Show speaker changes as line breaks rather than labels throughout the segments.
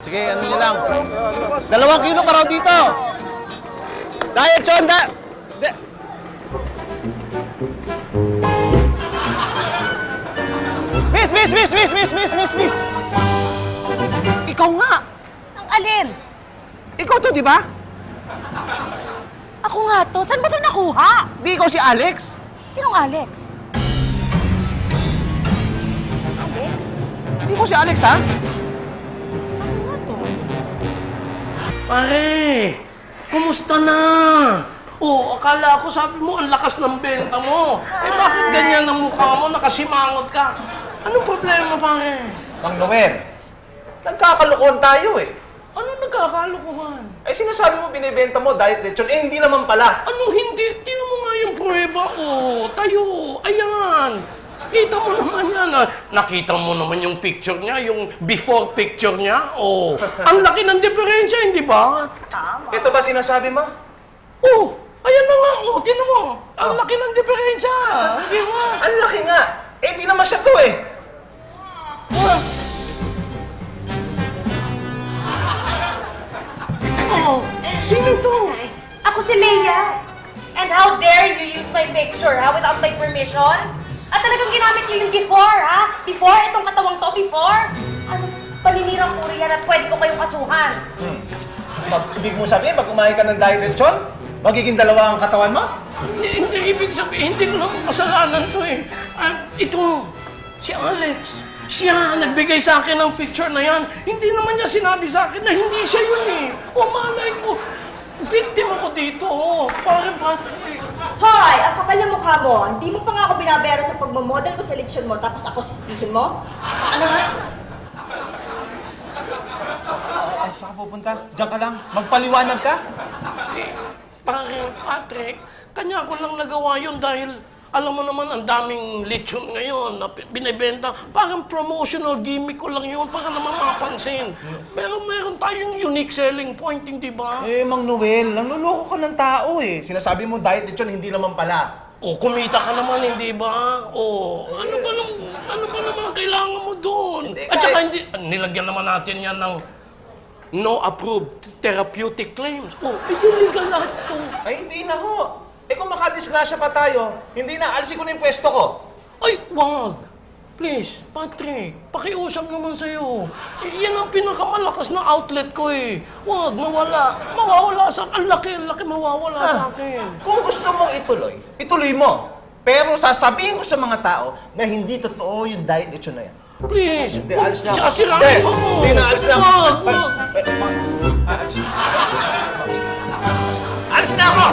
Sige, ano nyo lang. 2 kilo ka raw dito. Diet, Chon, Miss! Ikaw nga!
Ang alin?
Ikaw to, di ba?
Ako nga to. Saan ba ito nakuha?
Di ikaw si Alex?
Sinong Alex? Alex?
Di ko si Alex, ha?
Ano nga to?
Pare, kumusta na? Oh, akala ko sabi mo ang lakas ng benta mo. Eh bakit ganyan ang mukha mo? Nakasimangot ka. Anong problema, pare?
Mang Noel, nagkakalukuhan tayo eh.
Anong nagkakalukuhan?
Eh sinasabi mo binibenta mo diet lechon, eh hindi naman pala.
Anong hindi? Tingnan mo nga yung prueba ko. Tayo. Ayan. Kita mo naman yan. Nakita mo naman yung picture niya, yung before picture niya. Oh, ang laki ng diferensya, hindi ba?
Tama.
Ito ba sinasabi mo?
Oh, ayan na nga. Oh, tingnan mo. Ang laki ng diferensya. Hindi ba?
Ang laki nga. Eh di naman siya to eh.
Oh, sino to?
Ako si Leia. And how dare you use my picture, ha? Without my permission? At talagang ginamit niyo yung before, ha? Before? Itong katawang to, before? Ano, paninirang puri yan at pwede ko kayong kasuhan.
Ibig mo sabihin, pag kumain ka ng diet lechon, magiging 2 ang katawan mo?
Hindi ibig sabihin, hindi ko naman kasalanan to eh. Ito, si Alex. Siya, nagbigay sa akin ng picture na yan. Hindi naman niya sinabi sa akin na hindi siya yun eh. O malay ko, victim ako dito. Oh. Pare.
Hoy! Ang kapal na mukha mo. Hindi mo pa nga ako binabero sa pagmamodel ko sa lechon mo, tapos ako sisihin mo? Ano nga?
Saan ka pupunta? Diyan ka lang. Magpaliwanag ka?
Pare, Patrick, kanya ko lang nagawa yun dahil alam mo naman, ang daming lechon ngayon na binibenta. Parang promotional gimmick ko lang yun para naman mapansin. Pero meron tayong unique selling point, hindi ba?
Eh, Mang Noel, nanluloko ka ng tao eh. Sinasabi mo diet lechon, hindi naman pala.
O, kumita ka naman, hindi ba? O, ano ba naman kailangan mo doon?
Hindi,
At saka
kahit-
nilagyan naman natin yan ng no approved therapeutic claims. O, illegal lahat ito.
Ay, hindi na ho. Eh kung makadisgrasya pa tayo, hindi na, alisin ko na yung pwesto ko.
Ay, wag! Please, Patrick, pakiusap naman sa'yo. Yan ang pinakamalakas na outlet ko eh. Wag, mawala. Mawawala sa akin. Ang laki mawawala sa akin.
Kung gusto mong ituloy, ituloy mo. Pero sasabihin ko sa mga tao na hindi totoo yung diet lechon na yan.
Please,
Hindi, alis na ako.
sasirain mo.
Hindi na, alis na ako.
Wag.
Alis na ako!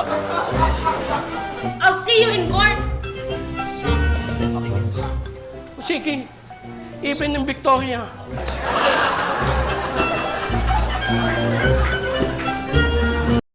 I'll see you in court!
Sige, even in Victoria.